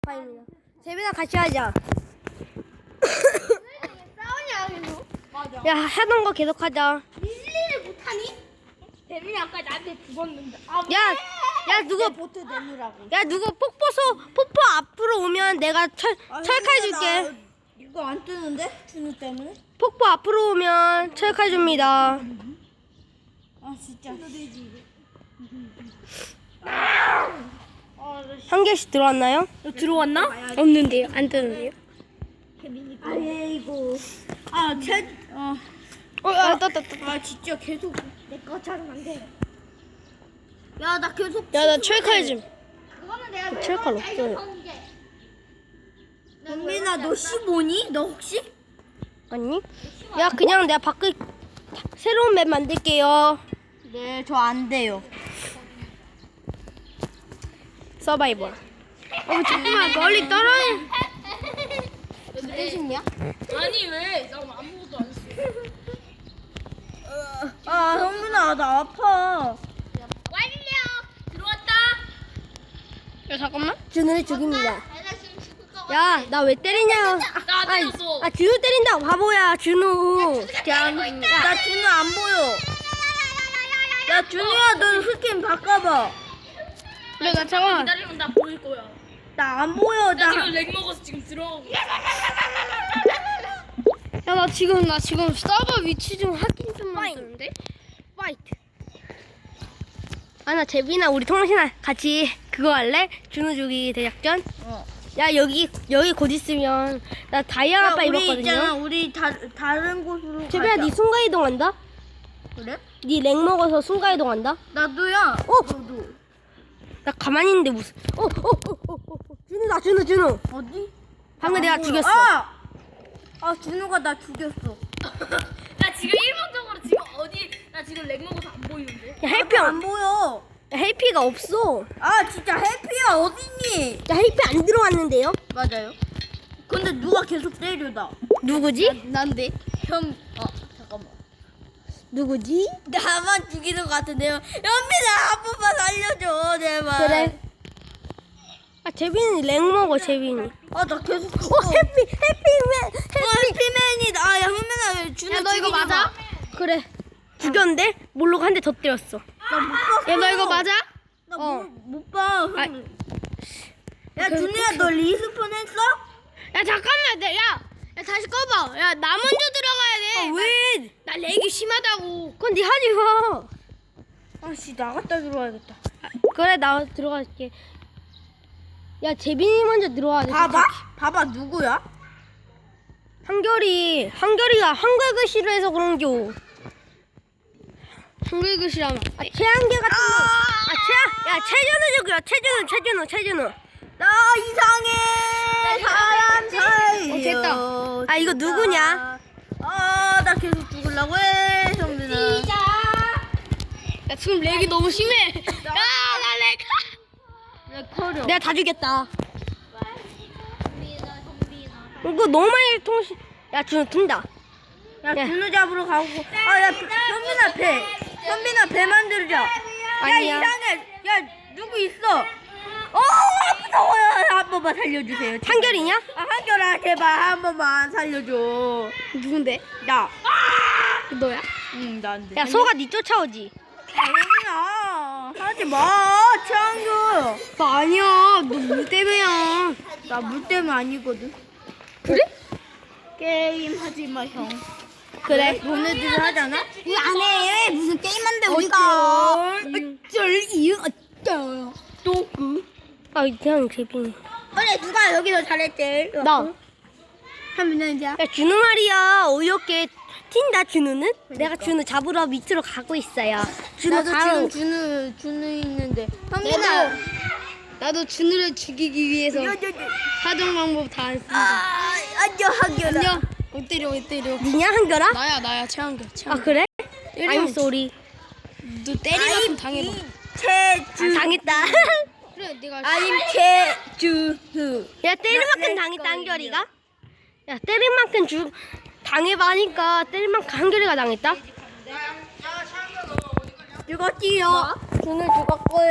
파입니다. 재빈아 같이 하자. 싸우냐 계속? 맞아. 야 하던 거 계속 하자. 밀리를 못하니? 재민이 아까 나한테 죽었는데. 야 누구 보트 내놓으라고. 야 누구 폭포 앞으로 오면 내가 철칼 줄게. 이거 안 뜨는데? 준우 때문에? 폭포 앞으로 오면 철칼 줍니다. 아 진짜. 한 개씩 들어왔나요? 들어왔나? 없는데요. 안 뜨는데요. 아이고. 떴다. 아 진짜 계속 내 것처럼 안 돼. 야 나 계속. 야 나 철칼 좀. 그거는 내가 철칼 없어요. 영민아 너 15니? 너 혹시? 아니? 야 그냥 내가 밖에 새로운 맵 만들게요. 네 저 안 돼요. 서바이벌. 잠깐만 멀리 떨어져. 무대신이야? 아니 왜? 나 아무것도 안 했어. 아 형민아 나 아파. 완료. 들어왔다. 야 잠깐만. 준우를 죽입니다. 나 지금 죽을 거 야 나 왜 때리냐? 나 때렸어. 아 준우 때린다. 바보야 준우. 나 준우 안 보여. 야 준우야 너 스킨 바꿔봐. 그래 나 잠깐만. 기다리면 나 보일 거야. 나 안 보여. 나 나. 지금 렉 먹어서 지금 들어가고 있어. 야 나 지금 서버 위치 좀 확인 좀 만드는데. 파이트. 아 나 재빈아 우리 통신아 같이 그거 할래? 준우 죽이기 대작전. 어. 야 여기 곧 있으면 나 다이아 아빠 우리 있잖아. 입었거든요. 우리 다른 곳으로 재빈아 가자. 니 순간 이동한다? 그래? 니 렉 먹어서 순간 이동한다? 나도야. 너도. 나 가만히 있는데 무슨 준우다 준우 어디? 방금 내가 안 보여. 죽였어. 아 준우가 나 죽였어. 나 지금 일방적으로 지금 어디? 나 지금 렉 먹어서 안 보이는데. 야 헬피 안 보여. 헬피가 없어. 아 진짜 해피야 어딨니? 야 헬피 안 들어왔는데요? 맞아요. 근데 누가 계속 때려 나. 누구지? 난데. 형. 잠깐만. 누구지? 나만 죽이는 것 같은데요. 연민아 한 번만 살려줘 제발. 그래. 아 재빈이 렉 먹어 재빈이. 나 계속. 해피맨. 해피맨이다. 아, 야 현민아 왜 준우 야 너 이거 죽이지 맞아? 마. 그래. 죽였는데 몰로가 한 대 더 때렸어. 나못 봤어. 야 너 이거 맞아? 나못 봐. 아, 야 준우야 너 리스폰 했어? 야 잠깐만 야 다시 꺼봐. 야 나 먼저 들어가야 돼. 왜? 나 렉이 심하다고. 그건 네 하지 마. 아씨 나갔다 들어와야겠다. 그래 나 들어갈게. 야 재빈이 먼저 들어와야 돼. 봐봐 누구야? 한결이가 한글 글씨로 해서 그런겨. 한글 글씨라면 최한결 같은 거. 야 최준우. 나 이상해 사람 사이. 됐다. 아, 이거 누구냐? 나 계속 죽으려고 해 정민아. 야 지금 렉이 너무 심해. 야나 렉. 내 커려. 내가 다 죽였다. 이거 너무 많이 통신. 야 준우 튼다. 야 준우 잡으러 가고. 야 현민아 배 만들자. 아니야. 야 이상해. 야 누구 있어? 무서워요. 한 번만 살려주세요. 제발. 한결이냐? 한결아 제발 한 번만 살려줘. 누군데? 나. 너야? 응 나인데. 야 소가 니 쫓아오지. 현민아 하지 마. 최한결. 나 아니야. 너 물 때문이야. 나 물 때문에 아니거든. 그래? 게임 하지 마 형. 그래. 너네들이 하잖아? 왜 안 해? 무슨 게임한데 어쩔 이유 어쩔. 또 그. 아 그냥 재빈이. 그래 누가 여기서 잘했지? 나. 현민아. 야 준우 말이야. 어이없게 튄다 준우는? 내가 준우 잡으러 밑으로 가고 있어요. 준우 나도 바로. 지금 준우 있는데. 나도 준우를 죽이기 위해서 하던 방법 다 안 쓴다. 안녕 한결아. 안녕. 못 때려. 니냐 한결아? 나야 최한결. 아 그래? I'm sorry. 너 때리면 당해봐. 최주. 당했다. 그래 내가. I'm 최주후. 야 때릴 만큼 당했다 한결이가. 야 때릴 만큼 당해봐 하니까 때릴 만큼 한결이가 당했다. 죽었지요. 준우 죽었고요.